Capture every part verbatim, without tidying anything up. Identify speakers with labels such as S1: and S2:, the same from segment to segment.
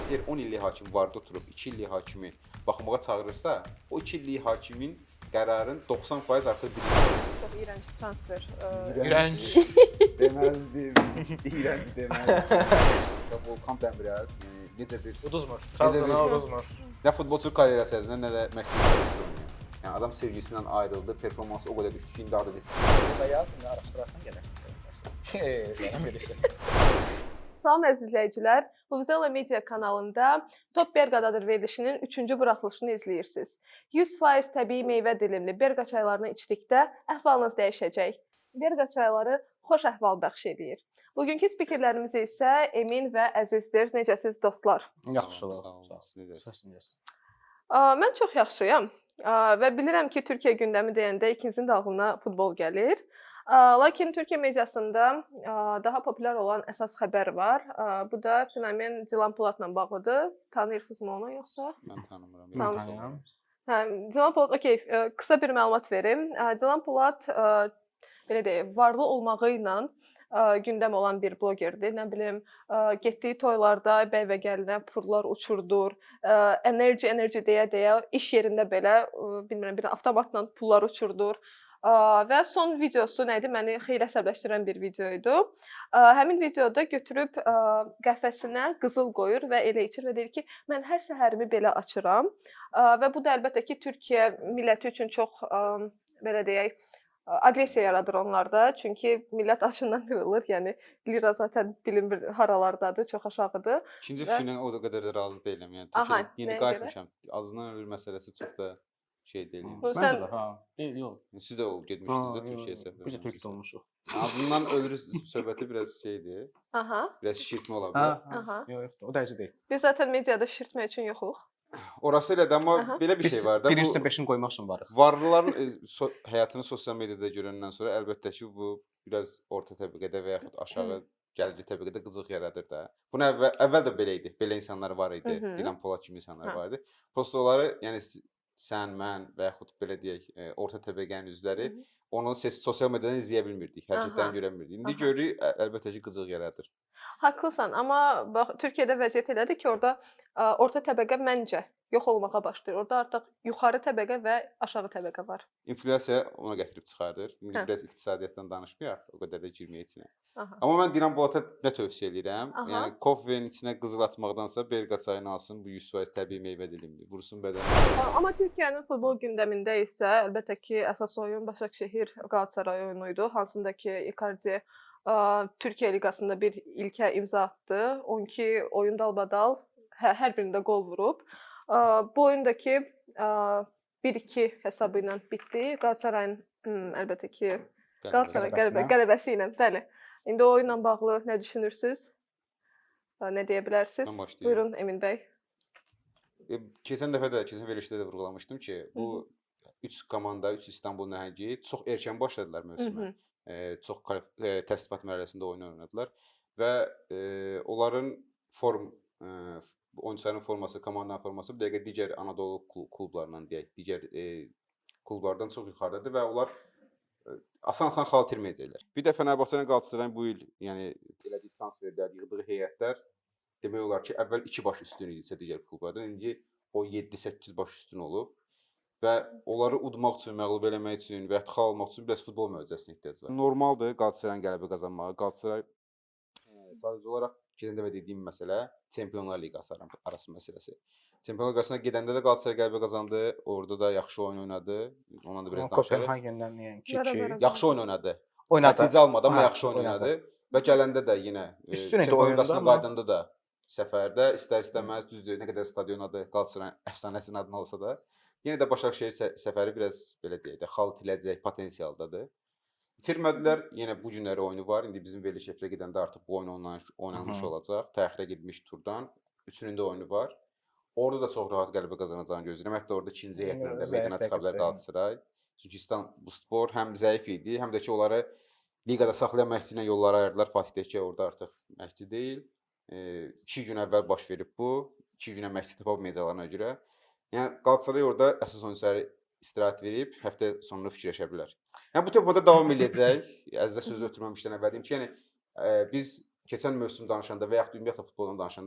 S1: Deyir on illik hakim vardı oturub iki illik hakimi baxmağa çağırırsa, o iki illik hakimin qərarın doxsan faiz artıq bilir.
S2: Çox iyrənc transfer.
S3: İrənc.
S4: Deməzdim. İrənc deməzdim. Volkan Dəmirəl yəni necə bir
S3: Uduzmur.
S4: Necə
S3: Trabzona
S4: bir-
S3: uduzmur.
S1: Nə futbolçu karyerası ərzində, nə də məqsəd oynayır. Yəni adam sevgisindən ayrıldı, performansı o qədər düşdü ki, indi adı geçsin.
S4: burada yazın, araşdırarsan gələrsən.
S3: Eee, bir şey.
S2: Salam əziz izləyicilər. Vuvuzela Media kanalında Top Berqadadır verilişinin üçüncü buraxılışını izləyirsiniz. yüz faiz təbii meyvə dilimli Berqa çaylarını içdikdə əhvalınız dəyişəcək. Berqa çayları xoş əhval bəxş edir. Bugünkü spikerlərimiz isə Emin və Əzizdir. Necəsiz dostlar?
S3: Yaxşı
S1: Sağ
S3: olun.
S1: olun, siz nə deyirsiniz?
S3: Səsin gəlsin.
S2: Aa, Mən çox yaxşıyam. Aa, Və bilirəm ki, Türkiyə gündəmi deyəndə ikinizin də ağlına futbol gəlir. Aa, Lakin Türkiyə mediasında aa, daha populyar olan əsas xəbər var. Aa, Bu da fenomen Dilan Polatla bağlıdır. Tanıyırsınızmı onu yoxsa?
S1: Mən tanımıram.
S2: Tamam.
S1: Yox,
S3: Tanıyıram.
S2: Hə, Dilan Polat, okey, e, qısa bir məlumat verim. E, Dilan Polat, e, belə deyək, varlı olmağı ilə e, gündəm olan bir blogerdir. Nə bilim, e, getdiyi toylarda bəy və gəlinə pullar uçurdur. E, Enerji, enerji deyə-deyə iş yerində belə, e, bilmirəm, bir avtomatla pullar uçurdur. E, Və son videosu nə idi? Məni xeyli əsəbləşdirən bir video idi. E, Həmin videoda götürüb e, qəfəsinə qızıl qoyur və elə içir və deyir ki, mən hər səhərimi belə açıram. Ə, Və bu da əlbəttə ki, Türkiyə milləti üçün çox ə, belə deyək, ə, aqressiya yaradır onlarda. Çünki millət acından qırılır. Yəni lira zaten bilinmir haralardadır, çox aşağıdır.
S1: İkinci
S2: Və-
S1: fikrinə o da qədər də razı deyiləm. Yəni
S2: Aha,
S1: Türkiyədə yeni
S2: nəyə
S1: qayıtmışam. Azından ölür məsələsi çox da şey deyil. yəni.
S2: Bu
S3: Məncə
S2: sən-
S3: də, ha. Deyil, yox.
S1: Siz də ol getmişdiniz də Türkiyəyə səfər.
S3: Biz də Türkiyə olmuşuq.
S1: Azından ölür söhbəti biraz şeydir.
S2: Aha,
S1: Biraz şişirtmə ola
S3: Ha,
S1: bilər.
S3: ha.
S2: aha.
S3: Yox, yox, o dərəcə deyil.
S2: Biz zaten mediada şişirtmək üçün yoxuq.
S1: Orası elə də, amma
S2: Aha.
S1: belə bir
S3: Biz
S1: şey var da.
S3: bir
S1: Bu
S3: üstə beşini qoymaq üçün varıq.
S1: varlıların e, so həyatını sosial mediada görəndən sonra əlbəttə ki, bu biraz orta təbəqədə və yaxud aşağı gəlirli təbəqədə qıcıq yaradır da. Bunu əvvəl, əvvəl də belə idi. Belə insanlar var idi.
S2: Hı hı.
S1: Dilan Polat kimi insanlar
S2: Hə.
S1: var idi. Prosta onları, yəni s- sən, mən və yaxud belə deyək, e, orta təbəqənin üzvləri
S2: Hı hı.
S1: onu ses sosial mediadan izləyə bilmirdik, hərəkətlərini
S2: Aha.
S1: görə bilmirdik. İndi
S2: Aha.
S1: görürük, ə- əlbəttə ki, qıcıq yaradır.
S2: Haqlısan, amma bax Türkiyədə vəziyyət elədir ki, orada ə, orta təbəqə məncə yox olmağa başlayır. Orada artıq yuxarı təbəqə və aşağı təbəqə var.
S1: İnflyasiya ona gətirib çıxardır. İndi
S2: Hə.
S1: biraz iqtisadiyyatdan danışmayaq, o qədər də girməyək içinə.
S2: Aha.
S1: Amma mən Dilan Polata nə tövsiyə edirəm?
S2: Aha.
S1: Yəni kofenin içinə qızıl atmaqdansa Berqa çayını alsın, bu yüz faiz təbii meyvə dilimli, vursun bədənə.
S2: A- Amma Türkiyənin futbol gündəmində isə əlbəttə ki, əsas oyun Başakşehir Qalatasaray oyunu idi, hansında ki, Icardi ə, Türkiyə liqasında bir ilkə imza atdı. on iki oyun dalbadal hə, hər birində qol vurub. Ə, Bu oyundakı ə, bir iki hesabı ilə bitdi. Qalatasarayın hmm, əlbəttə ki, Qalatasaray qələbə,
S3: Qələbəsinə.
S2: qələbəsi ilə, bəli. İndi o oyunla bağlı nə düşünürsüz? Ə, Nə deyə bilərsiniz?
S1: Mən başlayım.
S2: Buyurun Emin bəy.
S1: E, Keçən dəfə də, keçən verilişdə də vurğulamışdım ki,
S2: Hı
S1: bu üç komanda, üç İstanbul nəhəngi çox erkən başladılar
S2: Hı
S1: mövsümə.
S2: -hı.
S1: E, çox kvalif- e, təsdiqat mərhələsində oyun oynadılar və e, onların form e, oyunçuların forması, komandanın forması bir dəqiqə digər Anadolu klu- klublarından deyək, digər e, klublardan çox yuxarıdadır və onlar e, asan-asan xal itirməyəcəklər. Bir də Fenerbahçe ilə Qalatasarayın bu il, yəni elədiyi transferlər, yığdığı heyətlər demək olar ki, əvvəl iki baş üstün idisə digər klublardan, indi o yeddi səkkiz baş üstün olub və onları udmaq üçün, məğlub eləmək üçün və ya xal almaq üçün biraz futbol möcüzəsinə ehtiyac var. Normaldır Qalatasarayın qələbə qazanmağı. Qalatasaray e, sadəcə olaraq keçən dəfə dediyim məsələ Çempionlar Liqası ara- arası məsələsi. Çempionlar Liqasına gedəndə də Qalatasaray qələbə qazandı, orada da yaxşı oyun oynadı. Ondan da biraz
S3: Amma
S1: danışarıq.
S3: Kopenhagendən yəni
S2: Bəra,
S3: iki
S2: bəra.
S1: Yaxşı oyun oynadı.
S3: oynadı.
S1: Nəticə almadı, amma
S3: Ha,
S1: yaxşı oyun
S3: oynadı.
S1: oynadı və gələndə də yenə e,
S3: Üstün idi
S1: Çempionlar
S3: oyunda,
S1: Liqasına
S3: amma-
S1: qaydanda da səfərdə istər-istəməz düzdür, nə qədər stadion adı Qalatasaray əfsanəsinin adına olsa da, yenə də Başakşehir sə səfəri biraz belə deyək də xal itiləcək potensialdadır. İtirmədilər, yenə bu günləri oyunu var. İndi bizim veriliş efirə gedəndə artıq bu oyun oynanmış, oynanmış
S3: Hı -hı.
S1: olacaq. Təxirə getmiş turdan üçünün də oyunu var. Orada da çox rahat qələbə qazanacağını gözləyirəm. Hətta orada ikinci
S3: Yəni,
S1: heyətlə də
S3: zəif
S1: meydana çıxa bilər
S3: rəqibdir.
S1: Qalatasaray. Çünki İstanbulspor həm zəif idi, həm də ki onları liqada saxlayan məşqçi ilə yolları ayırdılar. Fatih Tekke orada artıq məşqçi deyil. E, iki gün əvvəl baş verib bu. iki günə məşqçi tapa bilməyəcəklərinə görə. Yəni Qalatasaray orada əsas oyunçuları istirahət verib həftə sonunu fikirləşə bilər. Yəni bu tempoda davam eləyəcək. Əzizə sözü ötürməmişdən əvvəl deyim ki, yəni e, biz keçən mövsüm danışanda və yaxud ümumiyyətlə futboldan danışanda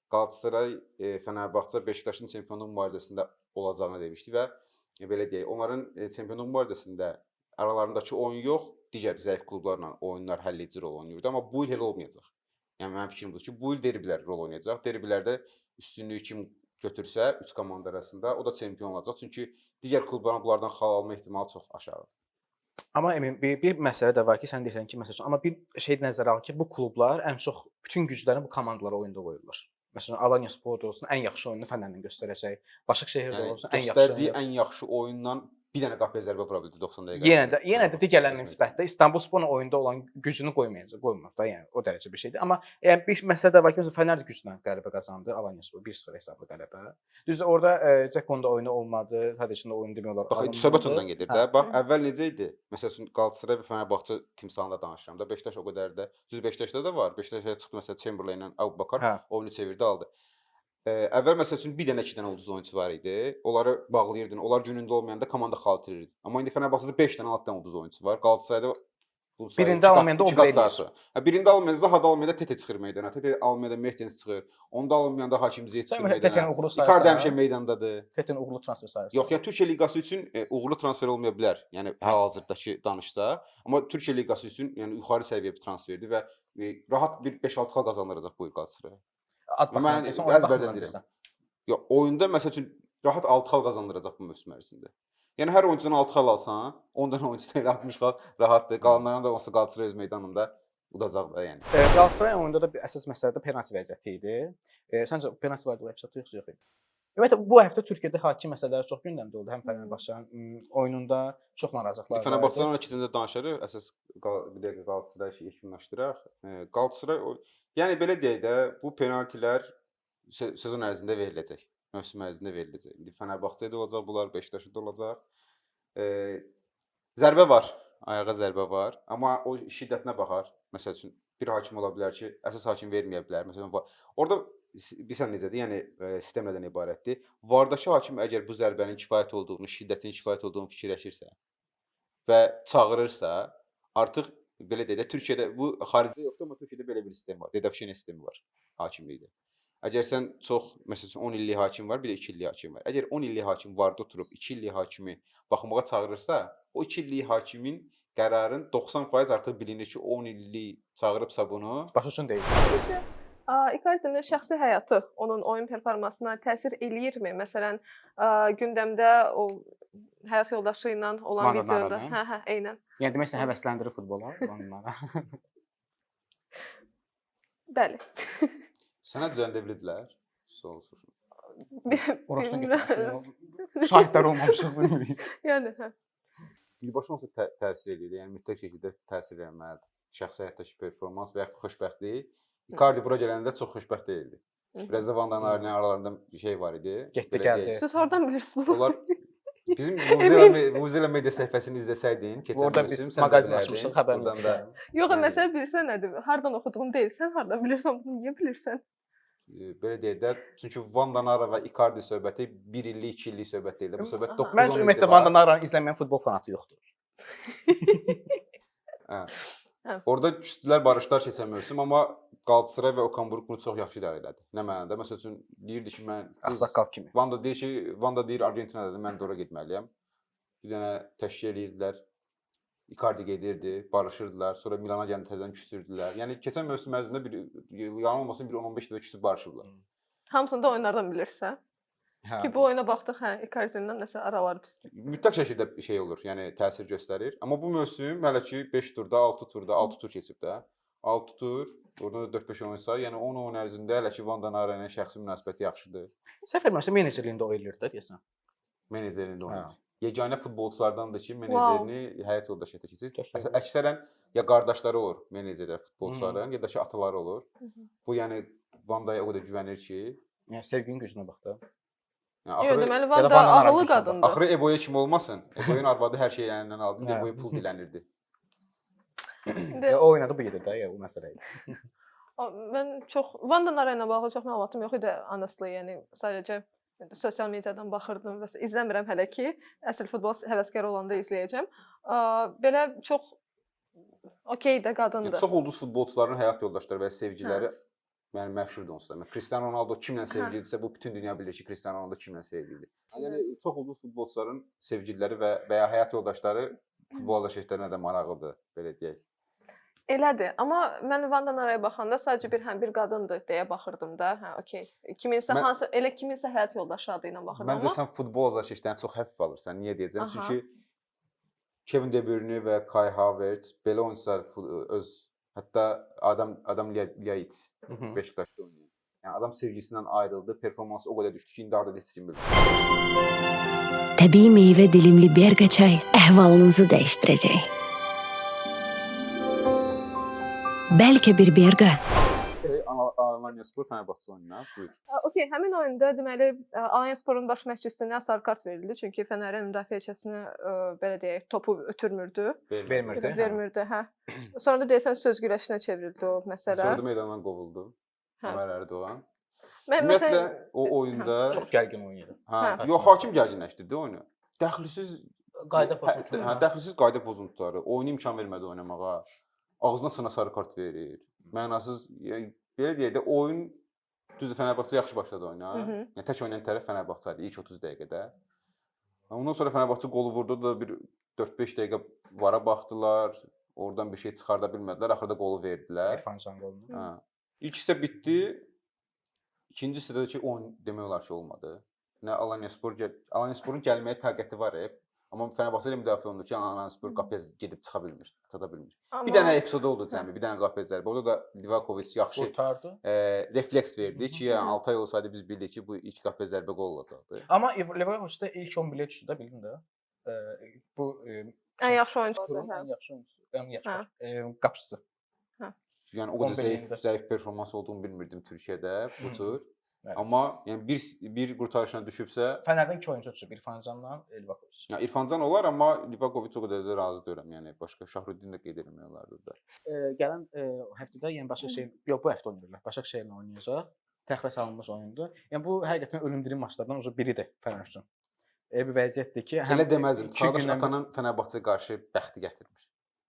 S1: Qalatasaray, e, Fenerbahçe, Beşiktaşın çempionluq mübarizəsində olacağını demişdi və e, belə deyək, onların e, çempionluq mübarizəsində aralarındakı oyun yox, digər zəif klublarla oyunlar həlledici rol oynayırdı, amma bu il elə olmayacaq. Yəni mənim fikrim budur ki, bu il derbilər rol oynayacaq. Derbilərdə üstünlüyü kim götürsə üç komanda arasında o da çempion olacaq. Çünki digər klubların bunlardan xal alma ehtimalı çox aşağıdır.
S3: Amma Emin, bir, bir məsələ də var ki, sən deyirsən ki, məsələn, amma bir şey nəzərə al ki, bu klublar ən çox bütün güclərini bu komandalara oyunda qoyurlar. Məsələn, Alanya Sport olsun, ən yaxşı oyununu Fənərlə göstərəcək. Başakşehir
S1: Yəni
S3: olsun, ən yaxşı
S1: göstərdiyi
S3: oyunu.
S1: ən yaxşı oyunla bir dənə qapıya zərbə vura bildi doxsan dəqiqə.
S3: Yenə də, yenə də digərlərinə nisbətdə İstanbulsporun oyunda olan gücünü qoymayacaq, qoymur da, yəni o dərəcə bir şeydir. Amma yəni bir məsələ də var ki, məsələn, Fənər də güclə qələbə qazandı, Alanya Spor bir sıfır hesablı qələbə. Düzdür, orada e, Cekonda oyunu olmadı, Tadicin də oyunu demək olar.
S1: Bax,
S3: alınmadı.
S1: söhbət ondan gedir də.
S3: Hə.
S1: Bax, əvvəl necə idi? Məsəl üçün Qalatasaray və Fenerbahçe timsalında danışıram da. Beşiktaş o qədər də. Düz Beşiktaşda da var. Beşiktaşa çıxdı məsələn Chamberlain ilə Abubakar
S3: Hə.
S1: oyunu çevirdi, aldı. Ə, əvvəl məsəl üçün bir dənə, iki dənə ulduz oyunçu var idi. Onları bağlayırdın. Onlar günündə olmayanda komanda xal itirirdi. Amma indi Fenerbahçedə beş dənə, altı dənə ulduz oyunçu var. Qalatasarayda bu sayı
S3: Birində
S1: iki qat-
S3: almayanda o
S1: iki
S3: bir
S1: qat daha
S3: eləyir.
S1: çox. Hə, birində almayanda Zaha da almayanda Tete çıxır meydana. Tete almayanda Mertens çıxır. Onda almayanda Hakim Ziyech çıxır
S3: Sən Tetenin
S1: meydana.
S3: uğurlu
S1: Icardi
S3: sayırsan.
S1: həmişə meydandadır.
S3: Tetenin uğurlu transfer sayısı.
S1: Yox, yəni Türkiyə liqası üçün e, uğurlu transfer olmaya bilər. Yəni hal-hazırdakı danışsa, amma Türkiyə liqası üçün yəni yuxarı səviyyə bir transferdir və e, rahat bir beş altı xal qazandıracaq bu il Qalatasaray.
S3: Ad
S1: Mən
S3: baxımından,
S1: əzbərdən
S3: baxımdan
S1: deyirəm.
S3: deyirsən.
S1: Yox, oyunda məsəl üçün rahat altı xal qazandıracaq bu mövsüm ərzində. Yəni hər oyuncudan altı xal alsan, on dənə oyuncudan elə altmış xal rahatdır. Qalanlarına da olsa Qalatasaray öz meydanında udacaq da yəni.
S3: E, Qalatasaray oyunda da bir əsas məsələ də penalti vəziyyəti idi. E, səncə penalti var idi yoxsa yox idi? Ümumiyyətlə bu həftə Türkiyədə hakim məsələləri çox gündəmdə oldu. Həm Fenerbahçenin oyununda çox narazılıqlar var.
S1: Fenerbahçedən ikincində danışarıq. Əsas qal- bir dəqiqə Qalatasaray işi yekunlaşdıraq. E, Qalatasaray o yəni belə deyək də, bu penaltilər se sezon ərzində veriləcək. Mövsüm ərzində veriləcək. İndi Fenerbahçedə olacaq bunlar, Beşiktaşda da olacaq. E, zərbə var, ayağa zərbə var, amma o şiddətinə baxar. Məsəl üçün bir hakim ola bilər ki, əsas hakim verməyə bilər. Məsələn, va- orada s- bilirsən necədir? Yəni e, sistem nədən ibarətdir? Vardakı hakim əgər bu zərbənin kifayət olduğunu, şiddətin kifayət olduğunu fikirləşirsə və çağırırsa, artıq belə deyək də Türkiyədə bu xaricdə yoxdur, amma Türkiyədə belə bir sistem var. Dedafşin sistemi var hakimlikdə. Əgər sən çox məsəl üçün on illik hakim var, bir də iki illik hakim var. Əgər on illik hakim vardı oturub iki illik hakimi baxmağa çağırırsa, o iki illik hakimin qərarın doxsan faiz artıq bilinir ki, on illik çağırıbsa bunu
S3: Baş üçün deyil.
S2: A, Icardi'nin şəxsi həyatı onun oyun performansına təsir eləyirmi? Məsələn, a, gündəmdə o həyat yoldaşı ilə olan
S3: Maradona
S2: videoda,
S3: ilə.
S2: hə, hə, eynən.
S3: Yəni demək sən həvəsləndirir futbola onlara.
S2: Bəli.
S1: sənə düzəldə bildilər. Sol soruşun.
S3: Orasına
S2: Bilmirəm.
S3: getmişəm. Şahidlər olmamışıq bilmirik.
S2: Yəni, hə.
S1: Birbaşa onsuz tə təsir edir. Yəni mütləq şəkildə təsir etməlidir. Şəxsi həyatdakı performans və ya xoşbəxtlik. Icardi bura gələndə çox xoşbəxt deyildi. Biraz da Van Danar'ın aralarında bir şey var idi.
S3: Getdi,
S1: Belə
S3: gəldi.
S1: deyək.
S2: Siz hardan bilirsiniz bunu?
S1: Onlar bizim Muzela Muzela media səhifəsini izləsəydin, keçən
S3: Orada
S1: mövsüm
S3: biz
S1: sən də
S3: mağazin
S1: bilərdin.
S3: açmışıq, xəbərin
S1: Oradan da
S2: Yox,
S1: yəni-
S2: məsələ bilirsən nədir? Hardan oxuduğun deyil, sən hardan bilirsən, bunu niyə bilirsən?
S1: e, belə deyək də, çünki Van Danara və Icardi söhbəti bir illik, iki illik söhbət deyil də. Bu söhbət
S2: Aha.
S1: doqquz
S3: Məncə
S1: on
S3: ümumiyyətlə
S1: ildir
S3: Van
S1: var.
S3: Danara'nı izləməyən futbol fanatı yoxdur.
S1: Hə.
S2: Hə.
S1: Orada küsdülər, barışdılar keçən mövsüm, amma Qalatasaray və Okan Buruk bunu çox yaxşı idarə elədi. Nə mənada? Məsəl üçün deyirdi ki, mən biz-
S3: Ağsaqqal kimi.
S1: Vanda deyir ki, Vanda deyir Argentinadadır, mən də ora getməliyəm. Bir dənə təşkil edirdilər. Icardi gedirdi, barışırdılar. Sonra Milana gəlib təzədən küsürdülər. Yəni keçən mövsüm ərzində bir yalan olmasın bir on on beş dəfə küsüb barışıblar.
S2: Hamısını da oyunlardan bilirsən.
S3: Hə.
S2: Ki bu oyuna baxdıq, hə, Icardi-dən nəsə araları pisdir.
S1: Mütləq şəkildə şey olur, yəni təsir göstərir. Amma bu mövsüm hələ ki beş turda, altı turda, altı tur keçib də. altı tur, oradan da dörd beş oyun say, yəni on oyun ərzində hələ ki Van Danara ilə şəxsi münasibəti yaxşıdır.
S3: Səhv etmirəmsə menecerliyində o eləyir də deyəsən.
S1: Menecerində oynayır.
S3: Hə.
S1: Yeganə futbolçulardandır ki, menecerini həyat yoldaşı həyata keçirir.
S3: Təşəkkür.
S1: Əs- Əksərən ya qardaşları olur menecerlər, futbolçuların, ya da ki ataları olur. Bu yəni Vandaya o qədər güvənir ki,
S3: Yəni sevginin gücünə bax da.
S1: yəni
S2: Yox,
S1: axırı
S2: deməli
S3: ya da
S2: Van da
S3: Van Danara
S2: ağıllı
S3: gücünə bax.
S2: qadındır.
S1: axırı Eboya kimi olmasın. Eboyun arvadı hər şeyi əlindən aldı,
S3: Hə.
S1: Eboya pul dilənirdi.
S2: İndi
S3: Ya, o oynadı bu gedir də, ya o məsələ idi.
S2: o- mən çox Van Danara ilə bağlı çox məlumatım yox idi honestly, yəni sadəcə sosial mediadan baxırdım və s- izləmirəm hələ ki. Əsl futbol həvəskarı olanda izləyəcəm. A, Belə çox okey də
S1: Yəni
S2: qadındır.
S1: çox ulduz futbolçuların həyat yoldaşları və ya sevgililəri Yəni məşhurdur onsuz da. Mən Cristiano Ronaldo kimlə sevgilidirsə, bu bütün dünya bilir ki, Cristiano Ronaldo kimlə sevgilidir. Yəni çox ulduz futbolçuların sevgililəri və və ya həyat yoldaşları futbol azarkeşlərinə də maraqlıdır, belə deyək.
S2: Elədir, amma mən Vandan araya baxanda sadəcə bir həm bir qadındır deyə baxırdım da. Hə, okey. Kiminsə
S1: Mən-
S2: hansı elə kiminsə həyat yoldaşı adı ilə baxırdım
S1: Məncə
S2: amma
S1: sən futbol azarkeşlərini çox həfif alırsan. Niyə deyəcəm?
S2: Aha.
S1: Çünki Kevin De Bruyne və Kai Havertz belə oyunçular fu- öz hətta Adam Adam Lyajic
S3: Mhm.
S1: Beşiktaşda oynayır. Yəni adam sevgisindən ayrıldı, performansı o qədər düşdü ki, indi harda heç kim bilmir.
S5: Təbii meyvə dilimli Berqa çay əhvalınızı dəyişdirəcək. Bəlkə bir Berqa
S1: Alanyaspor Fenerbahçe oyununa buyur.
S2: Ə, okey, həmin oyunda deməli ə, Alanyasporun baş məşqçisinə sarı kart verildi, çünki Fənərin müdafiəçisinə ə, belə deyək, topu ötürmürdü,
S3: Vermirdi. hə.
S2: vermirdi, hə. Sonra da deyəsən söz güləşinə çevrildi o məsələ.
S1: Sonra da meydandan qovuldu.
S2: Hə.
S1: Ömər Erdoğan.
S2: Mən
S1: Ümumiyyətlə
S2: məsələn
S1: o oyunda
S3: Çox gərgin oynayır.
S1: hə,
S2: Hə.
S1: yox hakim gərginləşdirdi oyunu. Dəxlisiz
S3: Qayda
S1: hə,
S3: pozuntuları.
S1: hə, dəxlisiz qayda pozuntuları, oyuna imkan vermədi oynamağa. Ağzına sına sarı kart verir. Mənasız, yəni belə deyək də oyun düzdür Fenerbahçe yaxşı başladı oyuna.
S2: Hı hı.
S1: Yəni tək oynayan tərəf Fenerbahçe idi ilk otuz dəqiqədə. Ondan sonra Fenerbahçe qolu vurdu da bir dörd beş dəqiqə vara baxdılar. Oradan bir şey çıxarda bilmədilər. Axırda qolu verdilər.
S3: İrfan Can qolunu.
S1: Hə. İlk hissə bitdi. İkinci hissədə ki oyun demək olar ki olmadı. Nə Alanyaspor gəl Alanyasporun gəlməyə taqəti var hep. Amma Fenerbahçe ilə müdafiə olunur ki, Alanyaspor qapıya gedib çıxa bilmir, çata bilmir.
S2: amma
S1: Bir dənə epizod oldu cəmi, bir dənə qapıya zərbə. Orada da Livakovic yaxşı
S3: Qurtardı.
S1: e, refleks verdi ki, yəni altı ay olsaydı biz bildik ki, bu ilk qapıya zərbə qol olacaqdı.
S3: Amma Leverkusen ilk on birə düşdü də, bildin də. Ə, Bu ə,
S2: ən yaxşı oyunçu oldu,
S3: turun
S2: hə.
S3: ən yaxşı oyunçusu, ən yaxşı
S2: Hə.
S3: ə, qapıçısı.
S1: Yəni o qədər
S3: on
S1: zəif,
S3: birliyində.
S1: zəif performans olduğunu bilmirdim Türkiyədə bu
S3: Hı.
S1: tur.
S3: Bəli.
S1: Amma yəni bir bir qurtarışına düşübsə,
S3: Fənərdən iki oyunçu düşüb, İrfan Canla Leverkusen.
S1: ya İrfancan olar, amma Livakovic o qədər də razı deyiləm. Yəni başqa Şahruddin də qeyd etmək olardı da.
S3: Ə, gələn ə, həftədə yəni Başakşehir, yox bu həftə oynayırlar. Başakşehirlə oynayacaq. Təxirə salınmış oyundur. Yəni bu həqiqətən ölümdürüm maçlardan uzun biridir Fənər üçün. Elə bir vəziyyətdir ki,
S1: Elə deməzdim.
S3: iki
S1: Çağdaş
S3: gündən-
S1: Atanın Fenerbahçeyə qarşı bəxti gətirmir.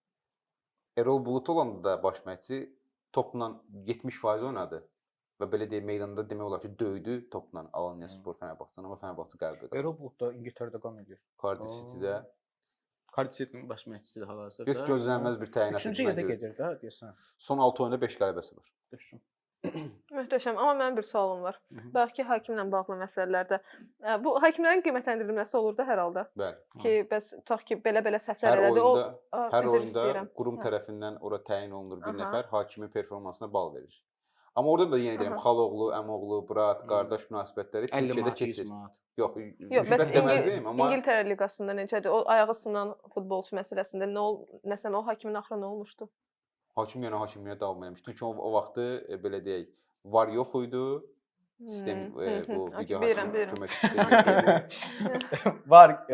S1: Erol Bulut olanda da baş məşqçi topla yetmiş faiz oynadı və belə deyək meydanda demək olar ki, döydü topla Alanyaspor Fenerbahçe'ni, amma Fenerbahçe qələbə qazandı.
S3: Erol Bulut da İngiltərədə qan edir.
S1: Cardiff City-də
S3: Cardiff City-nin baş məşqçisidir hal-hazırda.
S1: heç gözlənilməz bir təyinat.
S3: Üçüncü yerdə gedir də deyəsən.
S1: Son altı oyunda beş qələbəsi var.
S3: Düşün.
S2: Möhtəşəm, amma mənim bir sualım var.
S3: Hı hı.
S2: Bəlkə hakimlə bağlı məsələlərdə. Ə, Bu hakimlərin qiymətləndirilməsi olur da hər halda.
S1: Bəli.
S2: Ki, bəs tutaq ki, belə-belə səhvlər
S1: Hər
S2: elədi.
S1: oyunda,
S2: O ə,
S1: hər
S2: üzr
S1: oyunda
S2: istəyirəm.
S1: qurum
S2: Hə.
S1: tərəfindən ora təyin olunur bir
S2: Aha.
S1: nəfər, hakimin performansına bal verir. Amma orada da yenə deyirəm,
S2: Aha.
S1: xaloğlu, əmoğlu, brat,
S3: Hı.
S1: qardaş münasibətləri
S3: əlli
S1: Türkiyədə
S3: manat, yüz
S1: keçir.
S3: manat.
S1: Yox,
S2: Yox, bəs
S1: müsbət deməzdim,
S2: İngil
S1: amma
S2: İngiltərə liqasında necədir? O ayağı sınan futbolçu məsələsində nə ol, nəsən o hakimin axırı nə olmuşdu?
S1: hakim yenə hakimliyə davam eləmişdi. Çünki o, o vaxtı e, belə deyək, var yox idi. Sistem
S2: Hmm,
S1: e,
S2: hı, hı.
S1: bu
S2: Okey,
S1: video
S2: bilirəm,
S1: hakim
S2: bilirəm.
S1: kömək sistemi
S3: Var. ə,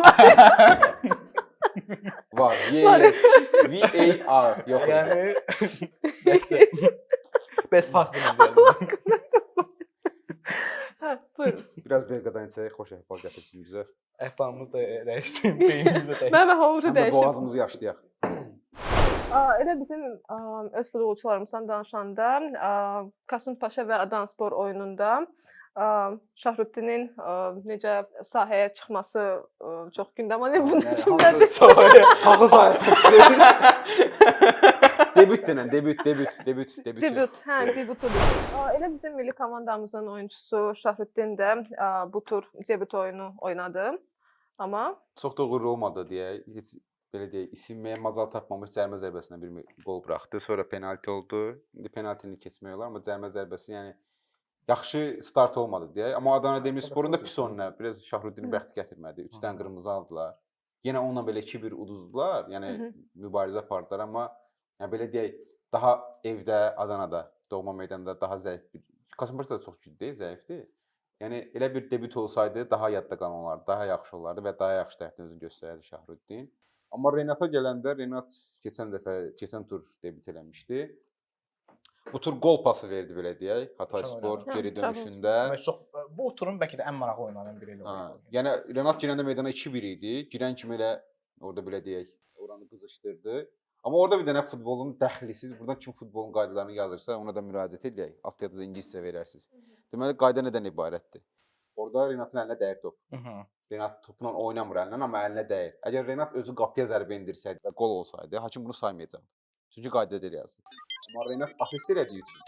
S1: var. V A R yox idi.
S3: Yəni nəsə. Bəs faslını deyəlim.
S2: Hə, buyurun.
S1: Biraz Berqadan içək, xoş əhval gətirsin bizə.
S3: Əhvalımız da dəyişsin, beynimiz də
S2: Mənim
S3: dəyişsin.
S2: əhvalımızı
S1: Həm də
S2: dəyişib.
S1: boğazımızı yaşlayaq.
S2: Ə, Elə bizim ə, öz futbolçularımızdan danışanda ə, Kasım Paşa və Adanspor oyununda ə, Şahruddinin ə, necə sahəyə çıxması ə, çox gündəm oldu. Bunu kimdən
S1: Tağı sayəsində çıxır. Debüt denən, debüt, debüt, debüt, debüt.
S2: Debüt, hə, debutudur. Ə, Elə bizim milli komandamızın oyunçusu Şahruddin də ə, bu tur debüt oyunu oynadı. Amma
S1: Çox da uğurlu olmadı deyə, heç belə deyək, isinməyə macal tapmamış cərimə zərbəsinə bir qol buraxdı. Sonra penalti oldu. İndi penaltini keçmək olar, amma cərimə zərbəsi yəni yaxşı start olmadı deyə. Amma Adana Demirsporun da pis oyunu, biraz Şahruddinin bəxti gətirmədi. üç dənə qırmızı aldılar. Yenə onunla belə iki bir uduzdular. Yəni
S2: Hı hı.
S1: mübarizə apardılar, amma yəni belə deyək, daha evdə, Adanada, doğma meydanda daha zəif bir Kasımpaşa da çox güclü deyil, zəifdir. Yəni elə bir debüt olsaydı daha yadda qalan olardı, daha yaxşı olardı və daha yaxşı tərəfdən özünü göstərərdi Şahruddin. Amma Renata gələndə Renat keçən dəfə, keçən tur debüt eləmişdi. Bu tur qol pası verdi belə deyək, Hatayspor
S3: Hə,
S1: geri
S2: tabii.
S1: dönüşündə.
S3: Demək çox bu turun bəlkə də ən maraqlı oynanan biri ilə
S1: Ha,
S3: oldu.
S1: yəni Renat girəndə meydana iki bir idi. Girən kimi elə orada belə deyək, oranı qızışdırdı. Amma orada bir dənə futbolun dəxlisiz, buradan kim futbolun qaydalarını yazırsa, ona da müraciət edək. Alt yazıda ingiliscə verərsiniz. Deməli, qayda nədən ibarətdir? Orada Renatın əlinə dəyir top. Renat topla oynamır əlindən, amma əlinə dəyir. Əgər Renat özü qapıya zərbə endirsəydi və qol olsaydı, hakim bunu saymayacaqdı. Çünki qaydada elə yazdı. Amma Renat asist elədiyi üçün,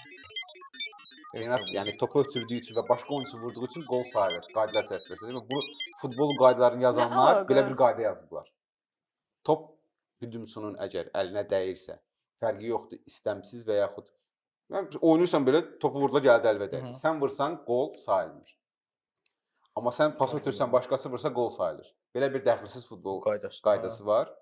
S1: Renat yəni topu ötürdüyü üçün və başqa oyunçu vurduğu üçün qol sayılır qaydalar çərçivəsində. Bu futbol qaydalarını yazanlar belə bir qayda yazıblar. Top hücumçunun əgər əlinə dəyirsə, fərqi yoxdur, istəmsiz və yaxud oynayırsan belə topu vurdular gəldi əlvə dəydi. Sən vursan qol sayılmır. Amma sən pas ötürsən, başqası vursa qol sayılır. Belə bir dəxilsiz futbol qaydası, qaydası var.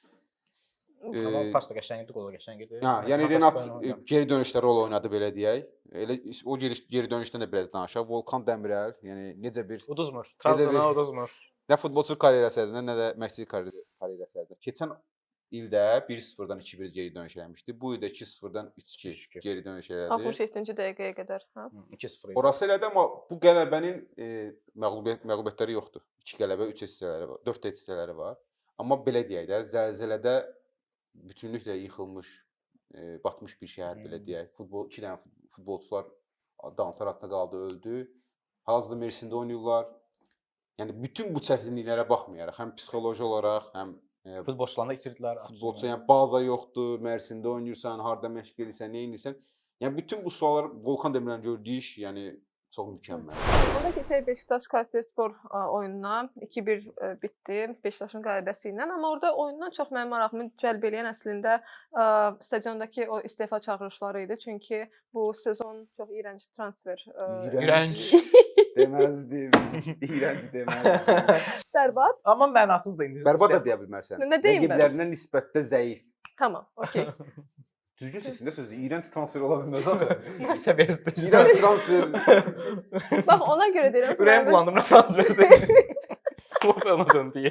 S3: Amma pas da qəşəngdir, qol da qəşəngdir.
S1: Hə, yəni Renat geri dönüşdə rol oynadı belə deyək. Elə o geri, geri dönüşdən də biraz danışaq. Volkan Dəmirəl, yəni necə bir
S3: uduzmur. Trabzona uduzmur.
S1: Nə futbolçu karyerası ərzində, nə də məşqçilik karyerası ərzində. Keçən ildə bir sıfırdan iki bir geri dönüş eləmişdi. Bu ildə iki sıfırdan üç iki geri dönüş elədi.
S2: altmış yeddinci dəqiqəyə qədər, hə?
S3: iki sıfır.
S1: Orası elədi, amma bu qələbənin e, məğlubiyyət məğlubiyyətləri yoxdur. iki qələbə, üç hissələri var, dörd hissələri var. Amma belə deyək də, zəlzələdə bütünlüklə yıxılmış, e, batmış bir şəhər belə deyək. Futbol iki dənə futbolçular dağıntılar altında qaldı, öldü. Hazırda Mersində oynayırlar. Yəni bütün bu çətinliklərə baxmayaraq, həm psixoloji olaraq, həm e,
S3: futbolçularını itirdilər.
S1: Futbolçu, yəni baza yoxdur, Mərsində oynayırsan, harda məşq edirsən, nə edirsən. Yəni bütün bu suallar Volkan Dəmirəlin gördüyü iş, yəni çox mükəmməl.
S2: Onda keçək Beşiktaş Kayserispor oyununa. iki bir bitdi Beşiktaşın qələbəsi ilə, amma orada oyundan çox mənim marağımı cəlb edən əslində ə, stadiondakı o istefa çağırışları idi. Çünki bu sezon çox iyrənc transfer. Ə,
S3: İyrənc.
S4: Deməzdim. İyrənc deməzdim.
S2: Bərbad.
S3: Amma mənasız da indi.
S1: Bərbad da deyə bilmərsən.
S2: Nə deyim bəs?
S1: Rəqiblərinə nisbətdə zəif.
S2: Tamam, okey.
S1: Düzgün seçin də sözü. İyrənc transfer ola bilməz axı.
S3: Nə səviyyəsidir?
S1: İyrənc transfer.
S2: Bax ona görə deyirəm.
S3: Ürəyim bulandım nə transferdir. Klub ona döndü.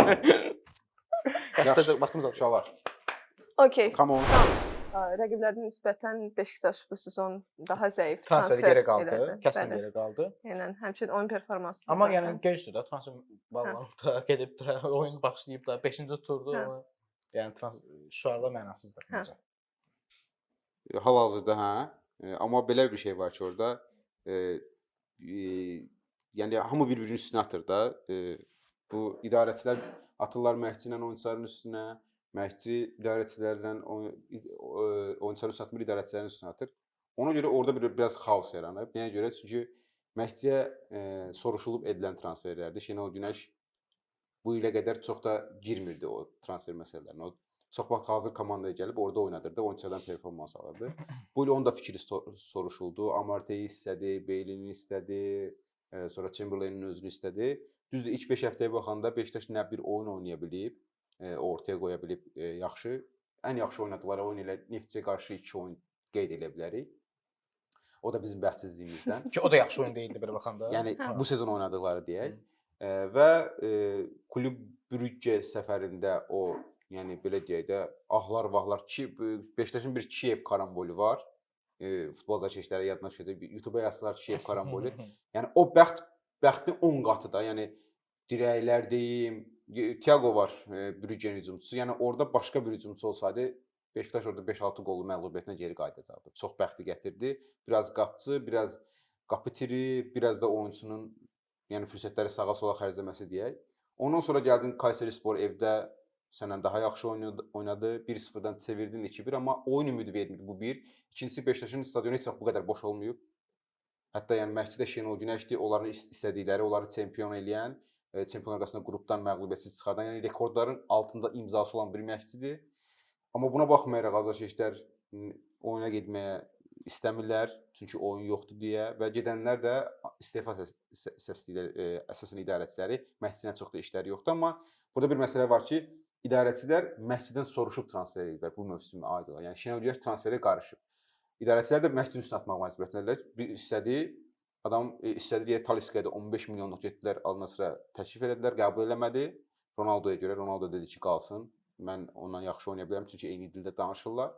S3: Yaxşı, vaxtımız az.
S1: Uşaqlar.
S2: Okey.
S1: Come on.
S2: Rəqiblərinə nisbətən Beşiktaş bu sezon daha zəif
S3: transfer
S2: transfer
S3: geri qaldı.
S2: elədi.
S3: Kəsin
S2: Bəli.
S3: geri qaldı.
S2: Yəni həmçinin oyun performansı.
S3: Amma
S2: zaten.
S3: yəni gecdir də transfer bağlanıb da gedib də oyun başlayıb da beşinci turdu.
S2: Hə.
S3: Amma yəni şuarda mənasızdır məncə.
S1: Hal-hazırda hə. E, amma belə bir şey var ki, orada e, e, yəni hamı bir-birinin üstünə atır da. E, bu idarəçilər atırlar məşqçi ilə oyunçuların üstünə, məşqçi idarəçilərlə oyunçuların üstünə atmır, idarəçilərin üstünə atır. Ona görə orada bir biraz xaos yaranıb. Nəyə görə? Çünki məşqçiyə e, soruşulub edilən transferlərdir. Şenol Günəş bu ilə qədər çox da girmirdi o transfer məsələlərinə. O çox vaxt hazır komandaya gəlib orada oynadırdı, oyunçulardan performans alırdı. Bu il onun da fikri soruşuldu. Amarteyi istədi, Beylini istədi, e, sonra Chamberlain'in özünü istədi. Düzdür, ilk beş həftəyə baxanda Beşiktaş nə bir oyun oynaya bilib, e, ortaya qoya bilib e, yaxşı. Ən yaxşı oynadıkları oyun ilə Neftçiyə qarşı iki oyun qeyd edə bilərik. O da bizim bəxtsizliyimizdən.
S3: Ki o da yaxşı oyun deyildi belə baxanda.
S1: Yəni bu sezon oynadıkları deyək. E, və e, Klub Brügge səfərində o, yəni belə deyək də, ahlar vahlar ki, Beşiktaşın bir Kiyev karambolü var. E, futbol zəşişləri yadına düşəcək. YouTube-a yazsalar Kiyev karambolü. Yəni o bəxt bəxtin on qatı da. Yəni dirəklər deyim, Thiago var, e, Brüggenin hücumçusu. Yəni orada başqa bir hücumçu olsaydı, Beşiktaş orada beş altı qollu məğlubiyyətinə geri qayıdacaqdı. Çox bəxti gətirdi. Biraz qapçı, biraz qapı tiri, biraz da oyunçunun yəni fürsətləri sağa sola xərcləməsi deyək. Ondan sonra gəldin Kayserispor evdə sənən daha yaxşı oynadı. bir sıfırdan çevirdin iki bir, amma oyun ümidi vermir bu bir. İkincisi Beşiktaşın stadionu heç vaxt bu qədər boş olmayıb. Hətta yəni məşqçi də Şenol Günəşdir, onların istədikləri, onları çempion eləyən, e, çempionlar arasında qrupdan məğlubiyyətsiz çıxardan, yəni rekordların altında imzası olan bir məşqçidir. Amma buna baxmayaraq azarkeşlər oyuna getməyə istəmirlər, çünki oyun yoxdur deyə və gedənlər də istefa səsləyirlər, e, əsasən idarəçiləri, məşqçidən çox da işləri yoxdur, amma burada bir məsələ var ki, idarəçilər məşqçidən soruşub transfer edirlər bu mövsümə aid olan. Yəni Şenol Günəş transferə qarışıb. İdarəçilər də məşqçinin üstünə atmaq məcburiyyətindədirlər. Bir istədi, adam e, istədi deyə Taliskaya da on beş milyonluq getdilər, Al-Nassrə təklif elədilər, qəbul eləmədi. Ronaldoya görə Ronaldo dedi ki, qalsın. Mən ondan yaxşı oynaya bilərəm, çünki eyni dildə danışırlar.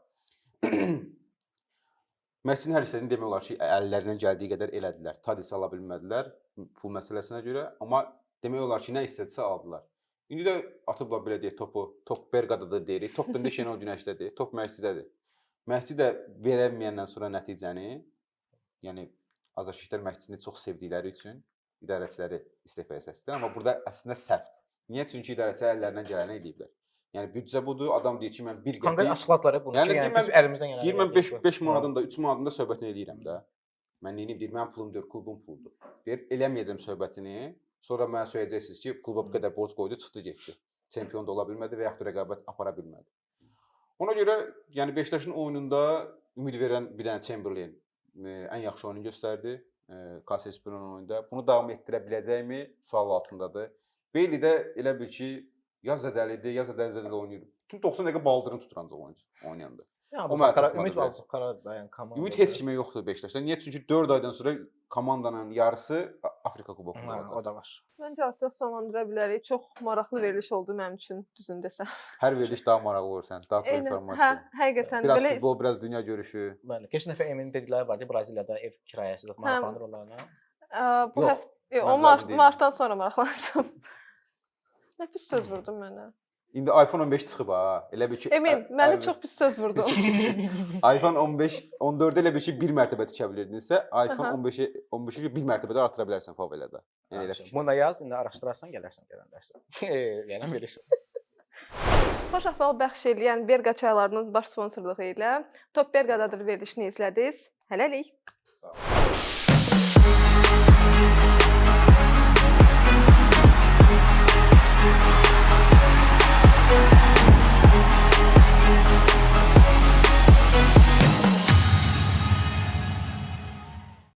S1: Məşqçinin hər istədiyini demək olar ki, əllərindən gəldiyi qədər elədilər. Tadis ala bilmədilər pul məsələsinə görə, amma demək olar ki, nə istədisə aldılar. İndi də atıblar belə deyək topu, top Berqadadır deyirik. Top da indi Şenol Günəşdədir, top Məhdidədir. Məhdi də verəməyəndən sonra nəticəni, yəni azarkeşlər Məhdini çox sevdikləri üçün idarəçiləri istifaya səsdir. Amma burada əslində səhvdir. Niyə? Çünki idarəçilər əllərindən gələni eləyiblər. Yəni büdcə budur, adam deyir ki, mən bir qəpik...
S3: Konkret açıqladılar bunu
S1: yəni,
S3: ki, yəni
S1: mən,
S3: biz əlimizdən gələni
S1: deyir, mən beş manatın da, üç manatın da söhbətini eləyirəm də. Mən neyim deyir, mənim pulum deyir, klubun puludur. Deyir, eləməyəcəm söhbətini, sonra mənə söyləyəcəksiniz ki, kluba bu qədər borc qoydu, çıxdı, getdi. Çempion da ola bilmədi və yaxud da rəqabət apara bilmədi. Ona görə, yəni Beşiktaşın oyununda ümid verən bir dənə Chamberlain ən yaxşı oyunu göstərdi Kasespironun oyunda. Bunu davam etdirə biləcəkmi? Sual altındadır. Beyli də elə bil ki, ya zədəlidir, ya zədəli-zədəli oynayır. Tüm doxsan dəqiqə baldırını tutur ancaq oyuncu oynayanda.
S3: O mənə çatmadı. Ümid var, dayan komanda.
S1: Ümid heç kimə yoxdur Beşiktaşda. Niyə? Çünki dörd aydan sonra komandanın yarısı Afrika kubokunda olacaq.
S3: O da var.
S2: Məncə artıq sonlandıra bilərik. Çox maraqlı veriliş oldu mənim üçün, düzün desəm.
S1: Hər veriliş daha maraqlı olur sən, daha çox informasiya.
S2: Hə, həqiqətən
S1: biraz
S2: belə.
S1: futbol, biraz dünya görüşü.
S3: Bəli. Keçən dəfə Emin dedikləri vardı, Braziliyada ev kirayəsi maraqlanır onlarla.
S2: Bu
S1: Yox,
S2: həftə, o mart, martdan sonra maraqlanacağam. Nə pis söz vurdun mənə.
S1: İndi iPhone on beş çıxıb ha. Elə bil ki
S2: Emin, mənə çox pis söz vurdun.
S1: iPhone on beş, on dörd elə bil ki bir mərtəbə tikə bilirdinsə, iPhone on beşi on beşi bir mərtəbədə artıra bilərsən favelada. Yəni elə fikir.
S3: Bunu da yaz, indi araşdırarsan, gələrsən, gələndərsən. Yəni verirsən.
S2: Xoş əhval bəxş edən Berqa çaylarının baş sponsorluğu ilə Top Berqadadır verilişini izlədiniz. Hələlik.
S1: Sağ ol.